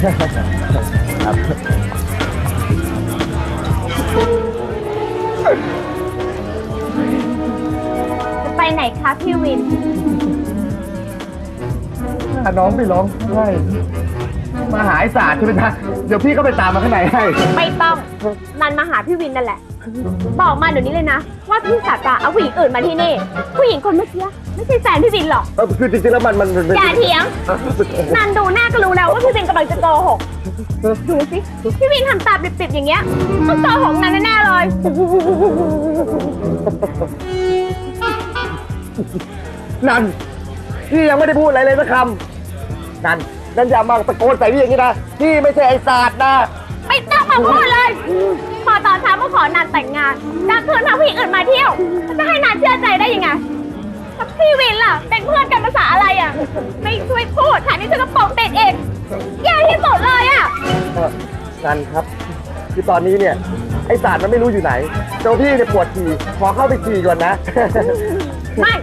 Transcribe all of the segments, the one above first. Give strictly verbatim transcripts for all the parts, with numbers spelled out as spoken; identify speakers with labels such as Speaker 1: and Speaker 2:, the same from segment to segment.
Speaker 1: ครับ
Speaker 2: จะไปไหนคะพี่วิน
Speaker 1: น้องไปร้องไห้มาหาไอ้ศาสตร์ใช่ไหมจ๊ะเดี๋ยวพี่ก็ไปตามมาข้างในให้
Speaker 2: ไม่ต้องนันมาหาพี่วินนั่นแหละบอกมาเดี๋ยวนี้เลยนะว่าพี่ศาสตร์เอาผู้หญิงอื่นมาที่นี่ผู้หญิงคนเมื่อกี้ไม่ใช่แฟนพี่วินหรอก
Speaker 1: คือจริงๆแล้วมันมัน
Speaker 2: อย่าเถียงนันดูหน้าก็รู้แล้วว่าพี่วินกำลังจะโกหกดูสิพี่วินทำตาปิดๆอย่างเงี้ยต้องโกหกนันแน่ๆเลย
Speaker 1: นันพี่ยังไม่ได้พูดอะไรเลยสักคำนันนันอย่ามาตะโกนใส่พี่อย่างนี้นะพี่ไม่ใช่ไอ้ศาสตร์นะ
Speaker 2: ไม่ต้องมาพูดเลยพอตอนเช้าก็ขอนันแต่งงานกลางคืนพาผู้หญิงอื่นมาเที่ยวจะให้นันเชื่อใจได้ยังไงกับพี่วินล่ะเป็นเพื่อนกันภาษาอะไรอ่ะไม่ช่วยพูดแถมนี่ฉันก็ปกปิดเองแย่ที่สุดเลยอ่ะ
Speaker 1: นันครับคือตอนนี้เนี่ยไอ้ศาสตร์มันไม่รู้อยู่ไหนเจ้าพี่เนี่ยปวดฉี่ขอเข้าไปฉี่ก่อนนะ
Speaker 2: ไม่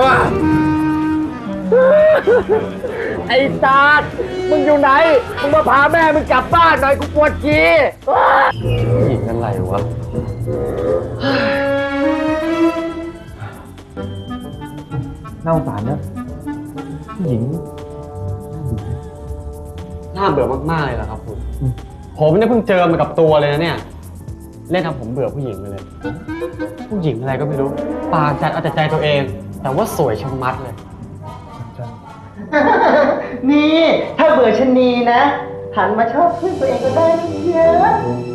Speaker 1: ไอ้ศาสตร์มึงอยู่ไหนมึงมาพาแม่มึงกลับบ้านหน่อยกูปวดฉี่หญิงอะไรวะน่าสงสารนะผู้หญิง
Speaker 3: น่าเบื่อมากๆเลยล่ะครับคุณผมเนี่ยเพิ่งเจอมากับตัวเลยนะเนี่ยเล่นทำผมเบื่อผู้หญิงไปเลยผู้หญิงอะไรก็ไม่รู้ปากจัดเอาแต่ใจตัวเองแต่ว่าสวยชะมัดเลย
Speaker 4: นี่ถ้าเบื่อชะนีนะหันมาชอบเพื่อนตัวเองก็ได้นะเยอะ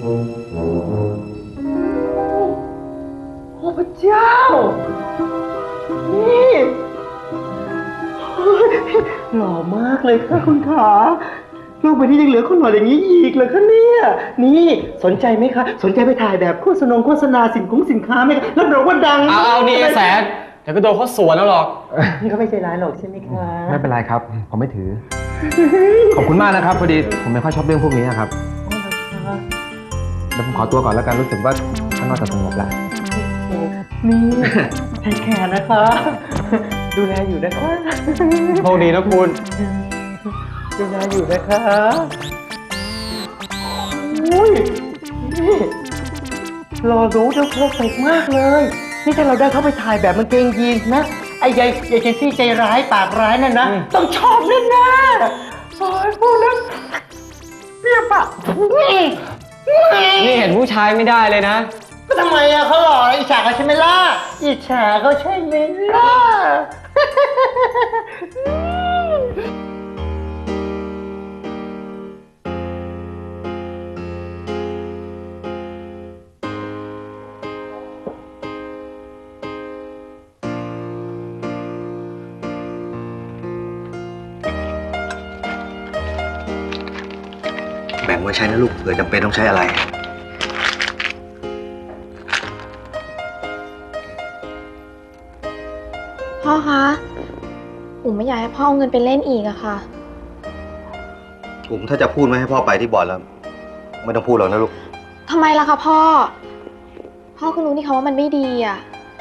Speaker 4: โอ้พระเจ้านี่หล่อมากเลยค่ะคุณขาโลกใบนี้ยังเหลือคนหล่ออย่างนี้อีกเหรอคะเนี่ยนี่สนใจไหมคะสนใจไปถ่ายแบบโฆษณาโฆษณาสินค้าสินค้าไหมคะรับรองว่าดัง
Speaker 3: เอาเอานี่แสนเดี๋ยวก็โดนเขาสวนแล้วหรอก
Speaker 4: นี่เขาไม่ใจร้ายหรอกใช่ไหมคะ
Speaker 1: ไม่เป็นไรครับผมไม่ถือขอบคุณมากนะครับพอดีผมไม่ค่อยชอบเรื่องพวกนี้ครับเดี๋ยวผมขอตัวก่อนแล้วกันรู้สึกว่าข้างนอกจะสงบแล้ว
Speaker 4: นี่ใช้แขนนะคะดูแลอยู่นะคะ
Speaker 3: โชคดีนะคุณ
Speaker 4: ดูแลอยู่นะคะอุ้ยนี่รอรู้เดี๋ยวเพอร์เฟกต์มากเลยนี่ถ้าเราได้เข้าไปถ่ายแบบมันเกงยีนนะไอ้ยายยายเจนซี่ใจร้ายปากร้ายนั่นนะต้องชอบแน่แน่โอ้ยพูดแล้วเปรี้ยวปาก
Speaker 3: นี่เห็นผู้ชายไม่ได้เลยนะ
Speaker 4: ก็ทำไมอะเขาหล่ออิจฉาเขาใช่ไหมล่ะอิจฉาเขาใช่ไหมล่ะ
Speaker 5: แบ่งไว้ใช้นะลูกเผื่อจำเป็นต้องใช้อะไร
Speaker 6: พ่อคะอุ๋มไม่อยากให้พ่อเอาเงินไปเล่นอีกอะค่ะ
Speaker 5: อุ๋มถ้าจะพูดไม่ให้พ่อไปที่บ่อนแล้วไม่ต้องพูดหรอกนะลูก
Speaker 6: ทำไมล่ะคะพ่อพ่อก็รู้นี่คะว่ามันไม่ดีอะ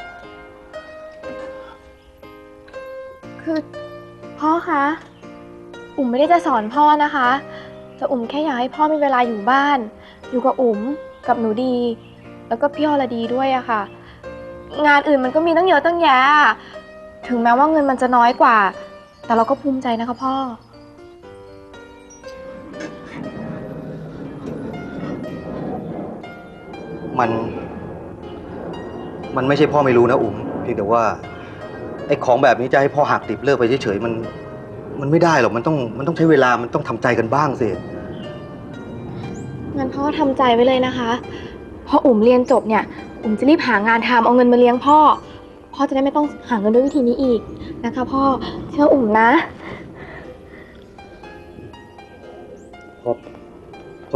Speaker 6: คือพ่อคะอุ๋มไม่ได้จะสอนพ่อนะคะแต่อุ๋มแค่อยากให้พ่อมีเวลาอยู่บ้านอยู่กับอุ๋มกับหนูดีแล้วก็พี่อรดีด้วยอะค่ะงานอื่นมันก็มีตั้งเยอะตั้งแยะถึงแม้ว่าเงินมันจะน้อยกว่าแต่เราก็ภูมิใจนะคะพ่อ
Speaker 5: มันมันไม่ใช่พ่อไม่รู้นะอุ๋มเพียงแต่ว่าไอ้ของแบบนี้จะให้พ่อหักดิบเลิกไปเฉยๆมันมันไม่ได้หรอกมันต้องมันต้องใช้เวลามันต้องทำใจกันบ้างสิ
Speaker 6: งั้นพ่อทำใจไว้เลยนะคะพออุ๋มเรียนจบเนี่ยอุ๋มจะรีบหางานทำเอาเงินมาเลี้ยงพ่อพ่อจะได้ไม่ต้องหาเงินด้วยวิธีนี้อีกนะคะพ่อเชื่ออุ๋มนะ
Speaker 5: พ่อพ่อ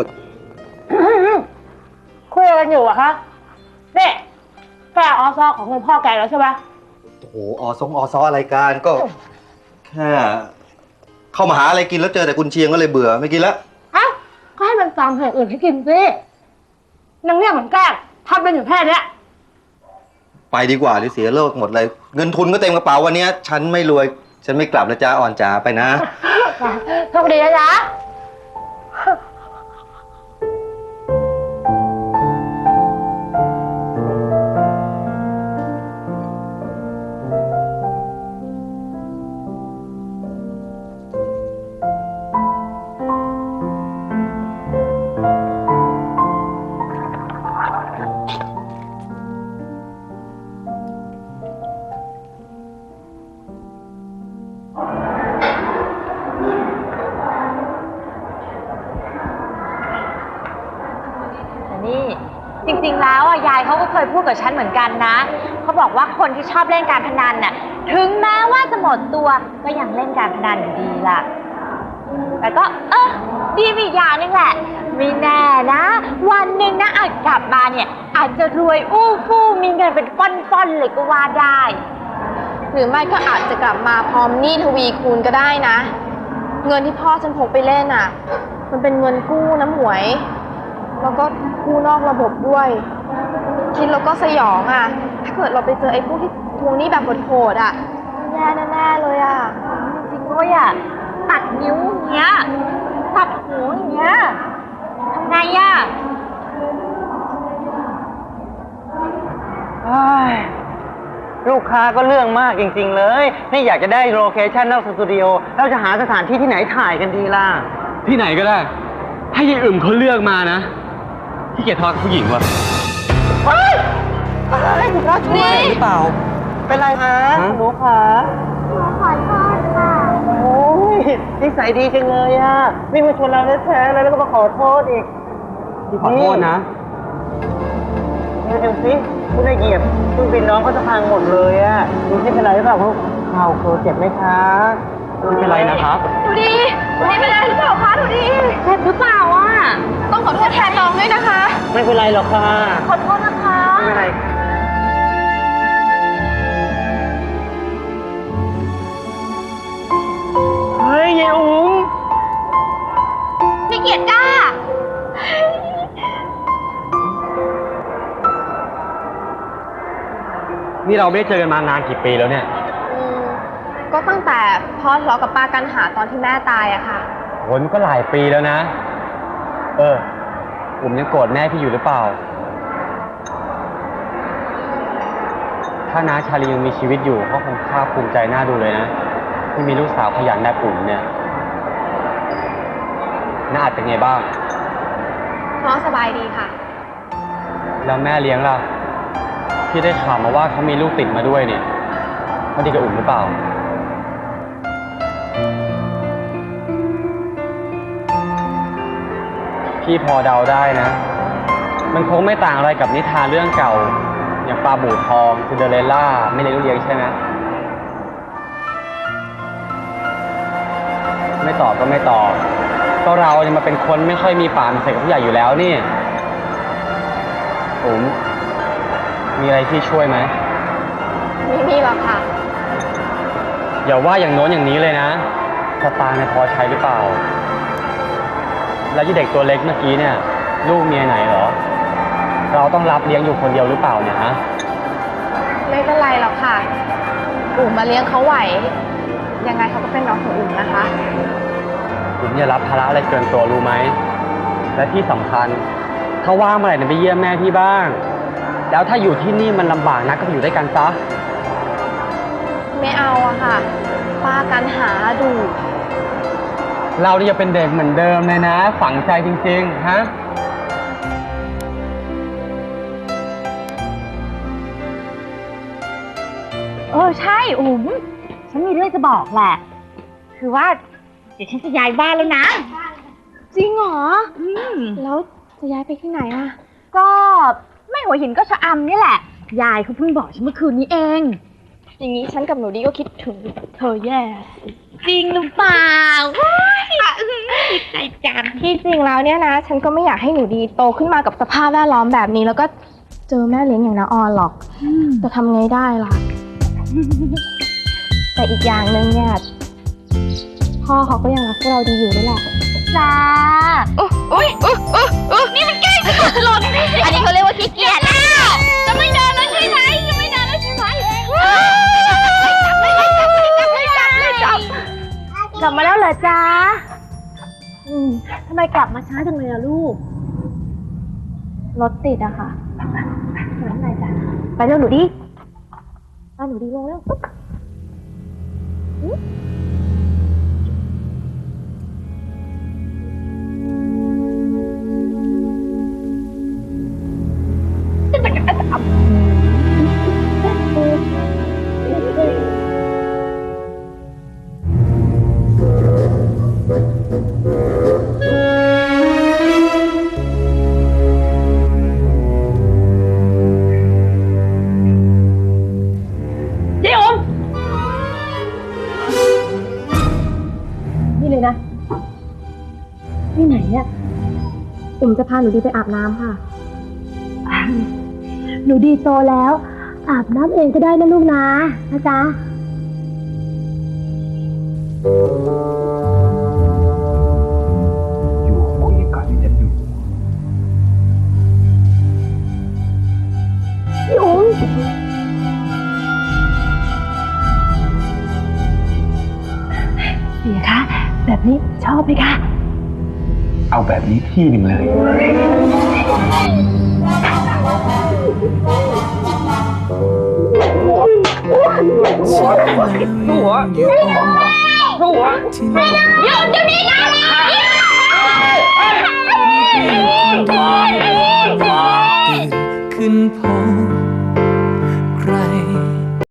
Speaker 2: คุยกันอยู่อะคะเนี่ยแค่ออซอของเงินพ่อแกแล้วใช่ไหม
Speaker 5: โอ้โหออซงออซออะไรกันก็แค่เข้ามาหาอะไรกินแล้วเจอแต่กุนเชียงก็เลยเบื่อไม่กินแล้ว
Speaker 2: ฮะก็ให้มันฟังอย่างอื่นให้กินสินางเนี่ยเหมือนแกล้งทำเป็นอยู่แค่นี้
Speaker 5: ไปดีกว่าหรือเสียเลิกหมดเลยเงินทุนก็เต็มกระเป๋าวันนี้ฉันไม่รวยฉันไม่กลับนะจ๊ะอ่อนจ๋าไปนะ
Speaker 2: โชคดีนะจ๊ะนี่จริงๆแล้วอ่ะยายเขาก็เคยพูดกับฉันเหมือนกันนะเขาบอกว่าคนที่ชอบเล่นการพนันน่ะถึงแม้ว่าจะหมดตัวก็ยังเล่นการพนันอยู่ดีล่ะแต่ก็เออดีมีอย่างนึงแหละไม่แน่นะวันหนึ่งนะอาจกลับมาเนี่ยอาจจะรวยอู้ฟู่มีเงินเป็นก้อนๆเลยก็ว่าได้
Speaker 6: หรือไม่ก็อาจจะกลับมาพร้อมหนี้ทวีคูณก็ได้นะ เงินที่พ่อฉันพกไปเล่นอ่ะ มันเป็นเงินกู้นะหมวย แล้วก็กู้นอกระบบด้วย คิดแล้วก็สยองอ่ะ ถ้าเกิดเราไปเจอไอ้พวกที่ทวงหนี้แบบโหดๆอ่ะแย่แน่ๆเลยอ่ะ
Speaker 2: จริงด้วยอ่ะตัดนิ้วอย่างเงี้ยตัดหูอย่างเงี้ยทำไงอ่ะ
Speaker 4: ลูกค้าก็เรื่องมากจริงๆเลยนี่อยากจะได้โลเคชั่นนอกสตูดิโอเราจะหาสถานที่ที่ไหนถ่ายกันดีล่ะ
Speaker 3: ที่ไหนก็ได้ ให้ยายอึ่มเขาเลือกมานะที่เกียจทะเลาะกับผู้หญิงว่ะ
Speaker 4: อะไรคุณราชช่วยหรือเปล่า เป็นไรคะหนูคะ
Speaker 2: หนูขอโทษค่ะ
Speaker 4: โอ้ยนิสัยดีจังเลยอ่ะนี่มาชวนเราแท้ๆแล้วก็มาขอโทษอีก
Speaker 3: ขอโทษนะ
Speaker 4: เดี๋ยวดูสิคุณนายเหยียบเครื่องบินน้องก็จะพังหมดเลยอ่ะดูที่เป็นไรหรือเปล่าเขาข่าวโคเจ็บไหมคะ
Speaker 3: ไม่เป็นไรนะครับ
Speaker 2: ดูดินี่เป็นอะไรหรือเปล่าคะดูดิเจ็บหรือเปล่าอ่ะ
Speaker 6: ต้องขอโทษแทนน้องด้วยนะคะ
Speaker 4: ไม่เป็นไรหรอกค่ะ
Speaker 2: ขอโทษนะคะ
Speaker 4: ไม่เป็นไรค่ะ เฮ้ยยายอุ๋ง
Speaker 2: พี่เกียรติกล้า
Speaker 3: นี่เราไม่ได้เจอกันมานานกี่ปีแล้วเนี่ย
Speaker 6: อืมก็ตั้งแต่พ่อทะเลาะกับป้ากันหาตอนที่แม่ตายอะค่ะ
Speaker 3: โหมันก็หลายปีแล้วนะ เออผมยังโกรธแม่พี่อยู่หรือเปล่า ถ้าน้าชาลียังมีชีวิตอยู่เขาคงภาคภูมิใจน่าดูเลยนะ ที่มีลูกสาวขยันแบบอุ่นเนี่ยน้าอาจเป็นไงบ้าง
Speaker 6: พ่อสบายดีค่ะ
Speaker 3: แล้วแม่เลี้ยงล่ะ พี่ได้ข่าวมาว่าเขามีลูกติดมาด้วยเนี่ยเขาดีกับอุ่นหรือเปล่า พี่พอเดาได้นะ มันคงไม่ต่างอะไรกับนิทานเรื่องเก่า อย่างปลาบู่ทองซินเดอเรลล่าไม่เลี้ยงลูกเลี้ยงใช่ไหมไม่ตอบก็ไม่ตอบ ก็เราเนี่ยมาเป็นคนไม่ค่อยมีปากมีเสียงกับผู้ใหญ่อยู่แล้วนี่ผมมีอะไรที่ช่วยไหม
Speaker 6: ไม่มีหรอกค่ะ
Speaker 3: อย่าว่าอย่างโน้นอย่างนี้เลยนะสตางค์เนี่ยพอใช้หรือเปล่า แล้วยี่เด็กตัวเล็กเมื่อกี้เนี่ย ลูกเมียไหนเหรอ เราต้องรับเลี้ยงอยู่คนเดียวหรือเปล่าเนี่ยฮะ
Speaker 6: ไม่เป็นไรหรอกค่ะ อุ่มมาเลี้ยงเขาไหว ยังไงเขาก็เป็นน้องของอุ่มนะคะ
Speaker 3: ผมอย่ารับภาระอะไรเกินตัวรู้ไหม และที่สำคัญ ถ้าว่างเมื่อไหร่เนี่ยไปเยี่ยมแม่พี่บ้าง แล้วถ้าอยู่ที่นี่มันลำบากนะก็ไปอยู่ด้วยกันซะ
Speaker 6: ไม่เอาอะค่ะ ป้ากันหาดู
Speaker 3: เราเนี่ยยังเป็นเด็กเหมือนเดิมเลยนะ ฝังใจจริงๆ ฮะ
Speaker 2: เออใช่อุ๋มฉันมีเรื่องจะบอกแหละ คือว่าเดี๋ยวฉันจะย้ายบ้านแล้วนะ
Speaker 6: จริงเหรอ
Speaker 2: อืม
Speaker 6: แล้วจะย้ายไปที่ไหนอะ
Speaker 2: ก็ไม่หัวหินก็ชะอำนี่แหละ ยายเขาเพิ่งบอกฉันเมื่อคืนนี้เอง
Speaker 6: อย่างนี้ฉันกับหนูดีก็คิดถึงเธอแย่
Speaker 2: จริงหรือเปล่าว้ายดีใจจัง
Speaker 6: ที่จริงแล้วเนี่ยนะ ฉันก็ไม่อยากให้หนูดีโตขึ้นมากับสภาพแวดล้อมแบบนี้ แล้วก็เจอแม่เลี้ยงอย่างน้าออนหรอกจะทำไงได้ล่ะ แต่อีกอย่างหนึ่งเนี่ยพ่อเขาก็ยังรักพวกเราดีอยู่ด้วยแหละ
Speaker 2: จ้าอุ้ยอุ้ยอุ้ยนี่มันใกล้จะตกหล่นอันนี้เขาเรียกว่าขี้เกียจแล้วจะไม่เดินแล้วใช่ไหมจะไม่เดินแล้วใช่ไหมจับเลยจับเลยจับเลยจับเลยจับกลับมาแล้วเหรอจ๊ะ
Speaker 6: อืม
Speaker 2: ทำไมกลับมาช้าจังเลยอะลูก
Speaker 6: รถติดอะค่ะ
Speaker 2: หนูไหนจ้ะไปเร็วหนูดิไปหนูดีลงเร็ว เจ๊อมนี่เลยนะ นี่ไหนเนี่ยอุ๋มจะพาหนูดีไปอาบน้ำค่ะ หนูดีโตแล้ว อาบน้ำเองก็ได้นะลูกนะนะจ๊ะ
Speaker 1: อยู่คุยกันที่ฉันอยู่
Speaker 2: พี่อุ๋มเสียคะ แบบนี้ชอบไหมคะ
Speaker 1: เอาแบบนี้ที่หนึ่งเลย
Speaker 7: ขึ้นพบใคร